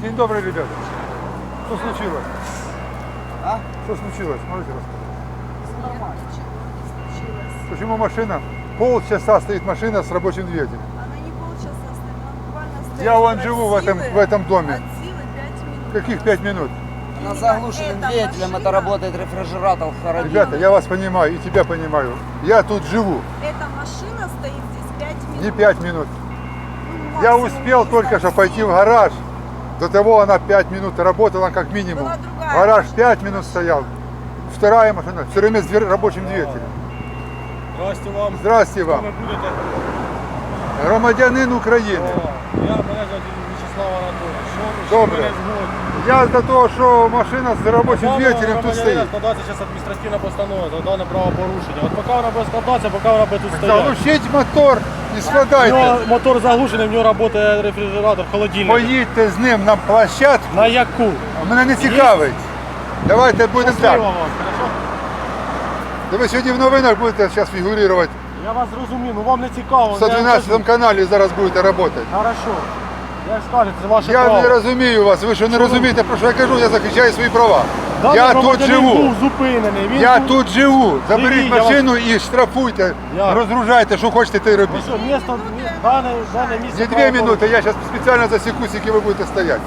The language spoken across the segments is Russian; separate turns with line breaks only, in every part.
День добрый, ребята. Что случилось?
А?
Что случилось? Можете рассказать?
Нормально.
Почему машина? Полчаса стоит машина с рабочим двигателем.
Она не полчаса стоит, она буквально стоит.
Я вон
от
живу
силы-
в этом доме.
От силы 5 минут.
Каких 5 минут?
Именно
На заглушенным
эта
двигателем
машина-
это работает рефрижератор в холодильнике.
Ребята, я вас понимаю и тебя понимаю. Я тут живу.
Эта машина стоит здесь 5 минут.
Не 5 минут.
Ну,
Я
максимум,
успел
не
только
знаю,
что пойти в
7.
гараж. До того она 5 минут работала как минимум.
Была другая
Гараж
машина.
5 минут стоял. Вторая машина все время с рабочим двигателем.
Здрасте вам.
Здрасте
Хто
вам.
ви будете?
Громадянин України.
Мене звати Вячеслав Анатолійович. Що
Добре.
ви мене згодні?
Я за того, що машина з робочим
Даного
двигателем тут
громадянина
стоїть.
складається зараз адміністративна постанова за дане правопорушення. От поки вона буде складатися, поки вона буде тут стояти.
Заглушіть мотор і
У
складайте.
нього мотор заглушений, в нього працює рефрижератор, холодильник.
Поїдьте з ним на площадку.
На яку?
Мене не цікавить. Давайте будемо
Щасливо
так.
вам, хорошо?
Ви сьогодні в новинах будете зараз фігурувати.
Я вас зрозумів, ну вам не цікаво.
В 112 каналі зараз будете працювати.
Хорошо. Як скажете, це ваше
Я
право.
не розумію вас, ви що не розумієте, про що я кажу, я захищаю свої права.
Даний
Я тут
громадянин
живу.
був зупинений. Він
Я
був-
тут живу. Заберіть
Який? Я вас-
машину і штрафуйте,
Я-
розгружайте, що хочете, те й
Ну
робіть.
що, місто, дане місце...
Не 2 минути, я зараз спеціально засіку, скільки ви будете стояти.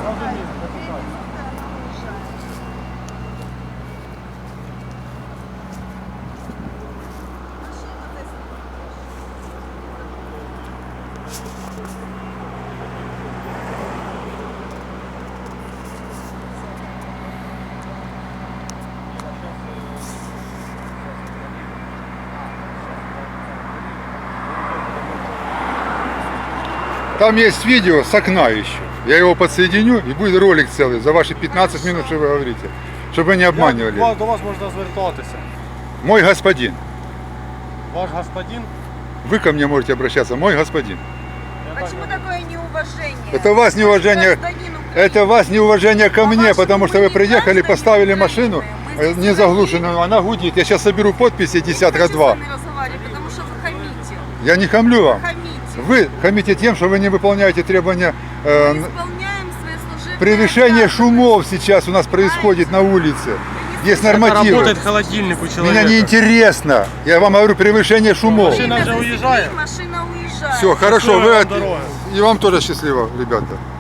Там есть видео с окна еще. Я его подсоединю и будет ролик целый за ваши 15 минут, что вы говорите. Чтобы вы не обманывали.
Як до вас можна звертатися?
Мой господин.
Ваш господин?
Вы ко мне можете обращаться, мой господин.
Почему такое неуважение?
Это у вас неуважение,
Гражданину
это у вас неуважение ко
По
мне,
вашему
потому что вы
не
приехали,
граждане
поставили
Украины.
машину
Мы здесь
не заглушенную, она гудит. Я сейчас соберу подписи десятка
хочу с
два.
вами разговаривать, потому что вы хамите.
Я не хамлю вам.
Хамите.
Вы хамите тем, что вы не выполняете требования.
Мы исполняем свои служебные
Превышение
обязанности.
шумов сейчас у нас происходит на улице. Есть нормативы.
Работает холодильник у человека.
Меня не интересно. Я вам говорю превышение шумов.
Машина
Время
же
засекли,
уезжает.
Машина уезжает.
Все, хорошо.
Счастливой
Вы
вам
от-
дороги.
И вам тоже счастливо, ребята.